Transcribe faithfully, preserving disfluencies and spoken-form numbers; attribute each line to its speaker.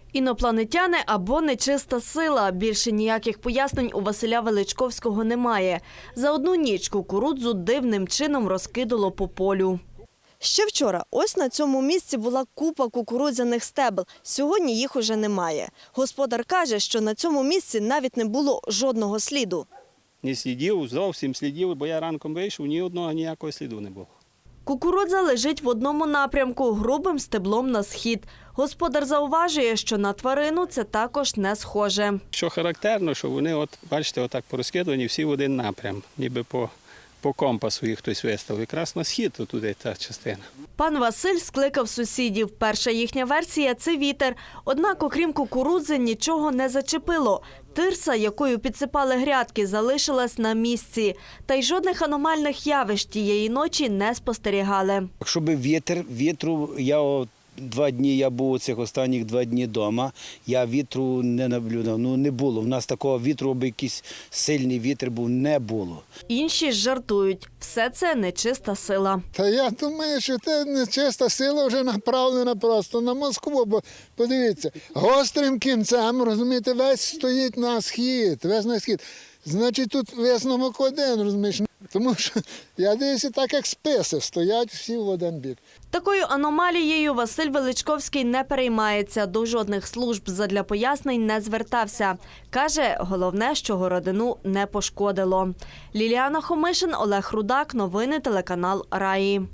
Speaker 1: Інопланетяни або нечиста сила. Більше ніяких пояснень у Василя Величковського немає. За одну ніч кукурудзу дивним чином розкидало по полю. Ще вчора ось на цьому місці була купа кукурудзяних стебел. Сьогодні їх уже немає. Господар каже, що на цьому місці навіть не було жодного сліду.
Speaker 2: Не слідів, зовсім слідів, бо я ранком вийшов, ні одного ніякого сліду не було.
Speaker 1: Кукурудза лежить в одному напрямку, грубим стеблом на схід. Господар зауважує, що на тварину це також не схоже.
Speaker 2: Що характерно, що вони, от, бачите, отак порозкидані всі в один напрям, ніби по, по компасу їх хтось виставив. Якраз на схід туди та частина.
Speaker 1: Пан Василь скликав сусідів. Перша їхня версія – це вітер. Однак, окрім кукурудзи, нічого не зачепило. Тирса, якою підсипали грядки, залишилась на місці. Та й жодних аномальних явищ тієї ночі не спостерігали.
Speaker 3: Якщо би вітер, вітру, я от два дні, я був цих останніх два дні вдома, я вітру не наблюдав, ну не було. У нас такого вітру, аби якийсь сильний вітер був, не було.
Speaker 1: Інші ж жартують. Все це нечиста сила.
Speaker 4: Та я думаю, що це нечиста сила вже направлена просто на Москву, бо подивіться, гострим кінцем, розумієте, весь стоїть на схід, весь на схід. Значить, тут висновок один, розумієш, тому що я дивлюся, так як списи, стоять всі в один бік.
Speaker 1: Такою аномалією Василь Величковський не переймається, до жодних служб задля пояснень не звертався. Каже, головне, що городину не пошкодило. Ліліана Хомишин, Олег Рудак, новини телеканал Раї.